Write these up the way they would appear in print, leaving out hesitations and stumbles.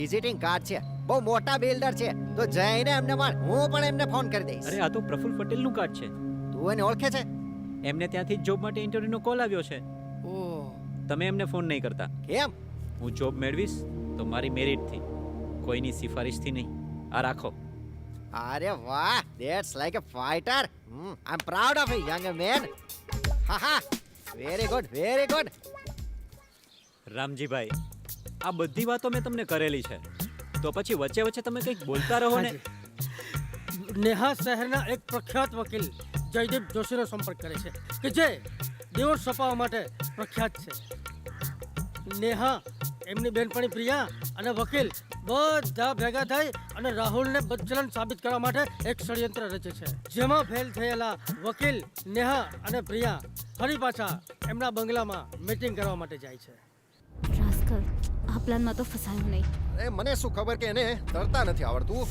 Visiting card છે, બહુ મોટા બિલ્ડર છે, તો જઈને એમને મળ. હું પણ એમને ફોન કરી દઈશ. અરે આ તો પ્રફુલ પટેલનું કાર્ડ છે. તું એને ઓળખે છે? એમને ત્યાંથી જ જોબ માટે ઇન્ટરવ્યુનો કોલ આવ્યો છે. ઓહ, તમે એમને ફોન નહીં કરતા. કેમ? હું જોબ મેળવીશ તો મારી મેરિટથી, કોઈની સિફારિશથી નહીં. આ રાખો. અરે વાહ, that's like a fighter. I am proud of you young man. હા, very good, very good. Ramjibhai, આ બધી વાતો મેં તમને કરેલી છે, તો પછી વચ્ચે વચ્ચે તમે કંઈક બોલતા રહો ને. નેહા શહેરના એક પ્રખ્યાત વકીલ જયદીપ જોશીનો સંપર્ક કરે છે કે જે ડિવોર્સ છપાવવા માટે પ્રખ્યાત છે. નેહા, એમની બેનપણી પ્રિયા અને વકીલ બધા ભેગા થઈ અને રાહુલને બદચલન સાબિત કરવા માટે એક ષડયંત્ર રચે છે, જેમાં ફેલ થયેલા વકીલ નેહા અને પ્રિયા ફરી પાછા એમના બંગલામાં મીટિંગ કરવા માટે જાય છે. રાસ્કલ, આ પ્લાનમાં તો ફસાયો નહીં. અરે મને શું ખબર કે એને તરતા નથી આવડતું.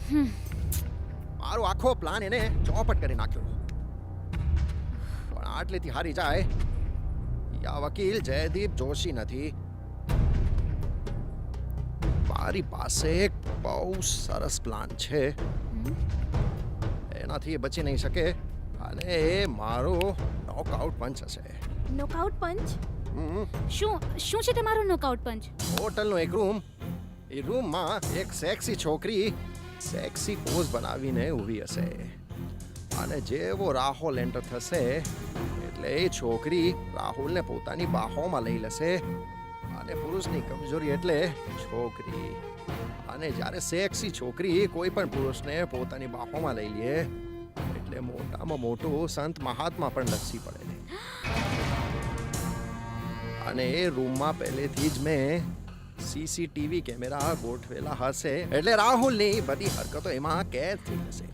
મારો આખો પ્લાન એને ચોપટ કરી નાખ્યો. પણ આટલેથી હારી જાય, આ વકીલ જયદીપ જોશી નથી. મારી પાસે એક બહુ સરસ પ્લાન છે. એનાથી એ બચી નહીં શકે અને એ મારો નોકઆઉટ પંચ હશે. Knockout punch? શું છે તમારો નોકઆઉટ પંચ? હોટલનો એક રૂમ, એ રૂમમાં એક સેક્સી છોકરી સેક્સી પોઝ બનાવીને ઊભી હશે અને જેવો રાહુલ એન્ટર થશે એટલે એ છોકરી રાહુલને પોતાની બાહોમાં લઈ લેશે. અને પુરુષની કમજોરી એટલે છોકરી. અને જ્યારે સેક્સી છોકરી કોઈ પણ પુરુષને પોતાની બાહોમાં લઈ લે એટલે મોટામાં મોટું સંત મહાત્મા પણ લસી પડે. અને એ રૂમમાં પહેલેથી જ મેં સીસીટીવી કેમેરા ગોઠવેલા હશે એટલે રાહુલની બધી હરકતો એમાં કેદ થઈ જશે.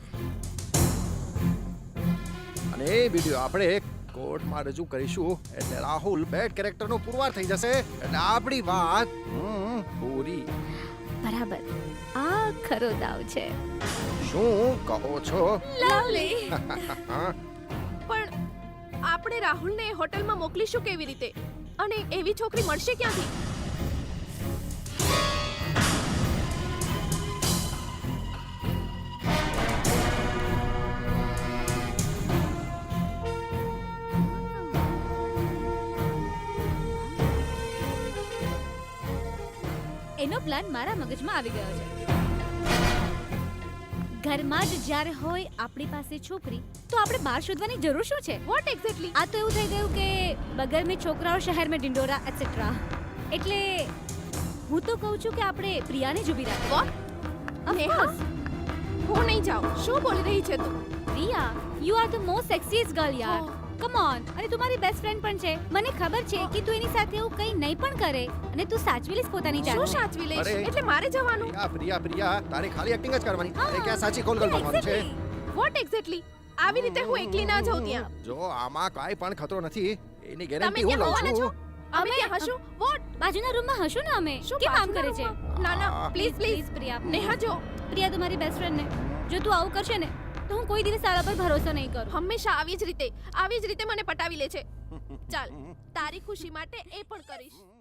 અને એ વિડીયો આપણે કોર્ટમાં રજૂ કરીશું એટલે રાહુલ બેડ કેરેક્ટરનો પુરવાર થઈ જશે એટલે આપણી વાત પૂરી. બરાબર, આ ખરો દાવ છે. શું કહો છો? લવલી. પણ આપણે રાહુલને હોટલમાં મોકલીશું કેવી રીતે? અને એવી છોકરી મળશે ક્યાંથી? એનો પ્લાન મારા મગજમાં આવી ગયો છે. ઘરમાં જ જ્યારે હોય આપણી પાસે છોકરી, તો આપણે બહાર શોધવાની જરૂર શું છે? What exactly? આ તો એવું થઈ ગયું કે બગર મેં છોકરાઓ શહેર મેં ડિંડોરા એટસેટ્રા. એટલે હું તો કહું છું કે આપણે પ્રિયાને જ ઊભી રાખીએ. વોટ? નેહા, હું નહીં જાઉં. શું બોલી રહી છે તું? Priya, you are the most sexiest girl યાર. Come on. અને તું મારી બેસ્ટ ફ્રેન્ડ પણ છે. મને ખબર છે કે તું એની સાથે એવું કંઈ નહીં પણ કરે અને તું સાચવી લઈશ પોતાની જાતને. શું સાચવી લઈશ? અરે. એટલે મારે જવાનું? પ્રિયા તારે ખાલી એક્ટિંગ જ કરવાની. અરે ક્યાં સાચી કોલ કરવાનું છે? What exactly? આવી રીતે હું એકલી ના જાઉં ત્યાં. જો આમાં કાંઈ પણ ખતરો નથી, એની તમે ગેરંટી હું ક્યાં લઉં હોવાના છો? છું. અમે ત્યાં હશું? વોટ? બાજુના રૂમમાં હશું ને અમે. શું કેમ આમ કરે બાજુના છે? રૂમમાં? ના ના, પ્લીઝ પ્લીઝ. પ્રિયા. નેહા જો, પ્રિયા, તું મારી બેસ્ટ ફ્રેન્ડ ને જો તું આવું કરશે ને તો હું કોઈ દિવસ તારા પર ભરોસો નહીં કરું. હંમેશા આવી જ રીતે મને પટાવી લે છે. ચાલ, તારી ખુશી માટે એ પણ કરીશ.